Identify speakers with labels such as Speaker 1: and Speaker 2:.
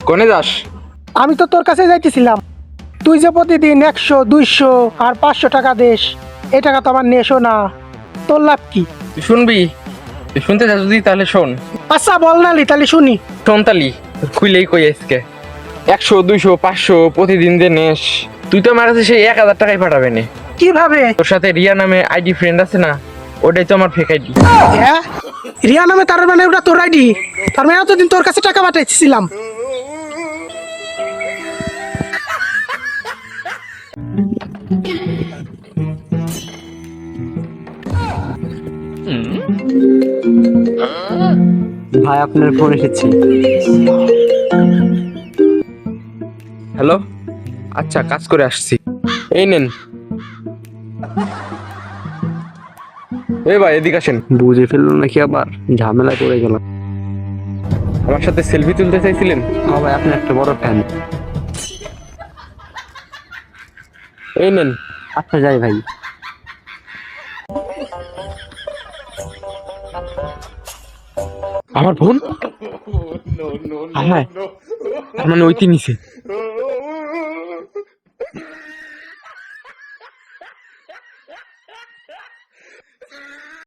Speaker 1: কোনে যাস?
Speaker 2: আমি তো তোর কাছে যাইতেছিলাম। তুই যে প্রতিদিন 100, 200 আর 500 টাকা দেস, এই টাকা তো আমার নেশো না। তোর লাভ কি?
Speaker 1: তুই শুনবি? তুই শুনতে চাস যদি তাহলে শোন।
Speaker 2: আচ্ছা বল না লি, তাহলে শুনি।
Speaker 1: শোন তালি, খুইলেই কই আজকে 100, 200, 500 প্রতিদিন দে নেস। তুই তো আমার কাছে সেই 1000 টাকাই পাঠাবে না।
Speaker 2: কিভাবে?
Speaker 1: তোর সাথে রিয়া নামে আইডি ফ্রেন্ড আছে না, ওটাই তো আমার ফেক আইডি।
Speaker 2: হ্যাঁ, রিয়া নামে, তার মানে ওটা তোর আইডি? তার মানে এতদিন তোর কাছে টাকা পাঠাইছিলাম।
Speaker 3: ভাই আপনার ফোন এসেছে।
Speaker 1: হ্যালো, আচ্ছা কাজ করে আসছি, এই নেন। এই ভাই এদিকে আসেন।
Speaker 3: বুঝে ফেললো নাকি আবার, ঝামেলা করে গেলাম।
Speaker 1: আমার সাথে সেলফি তুলতে চাইছিলেন?
Speaker 3: হ্যাঁ ভাই, আপনি একটা বড় ফ্যান।
Speaker 1: এই নেন।
Speaker 3: আচ্ছা যাই ভাই।
Speaker 1: আমার বোন? হ্যাঁ, তার মানে ওইটি নিছে।